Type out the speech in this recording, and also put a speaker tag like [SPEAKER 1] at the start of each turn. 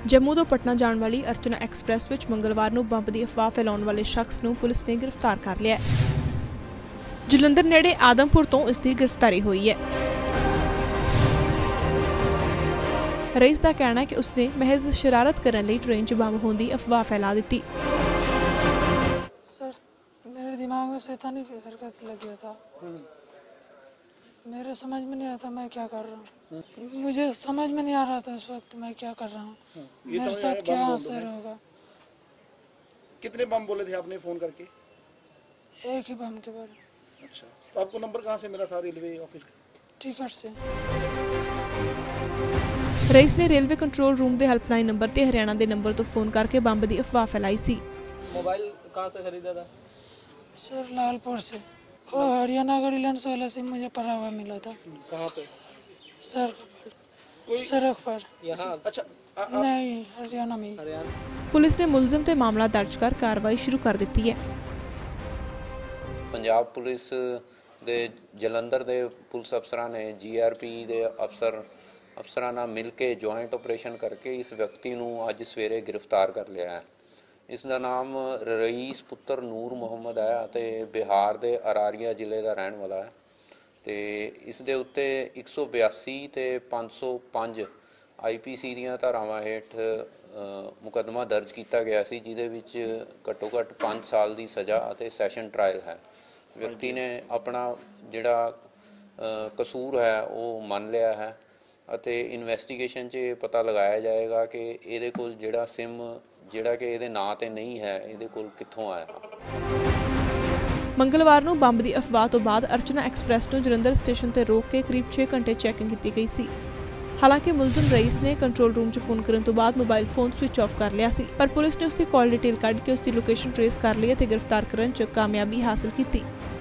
[SPEAKER 1] जम्मू तो पटना जाने वाली अर्चना एक्सप्रैस विच मंगलवार नूं बंब की अफवाह फैलाउण वाले शख्स नूं पुलिस ने गिरफ्तार कर लिया। जलंधर नेड़े आदमपुर तो इसकी गिरफ्तारी हुई है। रईस का कहना है कि उसने महज शरारत करने लई ट्रेन च बंब होने की अफवाह फैला दी।
[SPEAKER 2] सर मेरे दिमाग में शैतानी हरकत लग गया था। मेरे समझ में नहीं आता मैं क्या कर रहा हूँ। मुझे समझ में नहीं आ रहा था उस वक्त मैं क्या कर रहा हूँ। मेरे साथ क्या असर होगा।
[SPEAKER 3] कितने बम बोले थे आपने फोन करके?
[SPEAKER 2] एक ही बम के बारे।
[SPEAKER 3] अच्छा, तो आपको नंबर कहाँ से मिला था रेलवे ऑफिस का?
[SPEAKER 2] टिकट से।
[SPEAKER 1] रईस ने रेलवे कंट्रोल रूम के हेल्पलाइन नंबर ते हरियाणा के नंबर तो फोन करके बंब की अफवाह फैलाई सी।
[SPEAKER 4] मोबाइल कहाँ से खरीदा था?
[SPEAKER 2] सर लालपुर से। वो हरियाणा का रिलायंस वाला सिम मुझे पड़ा हुआ मिला था।
[SPEAKER 4] कहाँ पे?
[SPEAKER 2] सड़क पर।
[SPEAKER 4] यहाँ?
[SPEAKER 3] अच्छा
[SPEAKER 2] नहीं, हरियाणा में।
[SPEAKER 1] पुलिस ने मुलजिम ते मामला दर्ज कर कार्रवाई शुरू कर दी है।
[SPEAKER 5] पंजाब पुलिस दे जलंधर दे पुलिस अफसरां ने GRP दे अफसरां नाल मिल के जॉइंट ऑपरेशन करके इस व्यक्ति नूं अज सवेरे गिरफ्तार कर लिया है। इसका नाम रईस पुत्र नूर मुहम्मद है ते बिहार के अरारिया जिले का रहने वाला है। तो इस दे उत्ते 182 ते 505 IPC दीयां धारावां हेठ मुकदमा दर्ज किया गया सी, जिहदे विच घट्टो घट्ट 5 साल की सज़ा ते सैशन ट्रायल है। व्यक्ति ने अपना जिहड़ा कसूर है वो मान लिया है ਅਤੇ इन्वेस्टिगेशन च पता लगाया जाएगा कि ਇਹਦੇ ਕੋਲ ਜਿਹੜਾ सिम ਜਿਹੜਾ कि ਇਹਦੇ ਨਾਂ ਤੇ नहीं है ਇਹਦੇ ਕੋਲ ਕਿੱਥੋਂ ਆਇਆ।
[SPEAKER 1] मंगलवार ਨੂੰ ਬੰਬ ਦੀ ਅਫਵਾਹ ਤੋਂ ਬਾਅਦ अर्चना एक्सप्रैस ਨੂੰ ਜਲੰਧਰ स्टेशन ਤੇ रोक के करीब 6 घंटे चैकिंग की गई सी। हालांकि मुलजिम रईस ने कंट्रोल रूम च फोन करने तो बाद मोबाइल फोन स्विच ऑफ कर लिया सी, पर पुलिस ने उसकी कॉल डिटेल कढ़ के उसकी लोकेशन ट्रेस कर ली ते गिरफ्तार करने च कामयाबी हासिल की।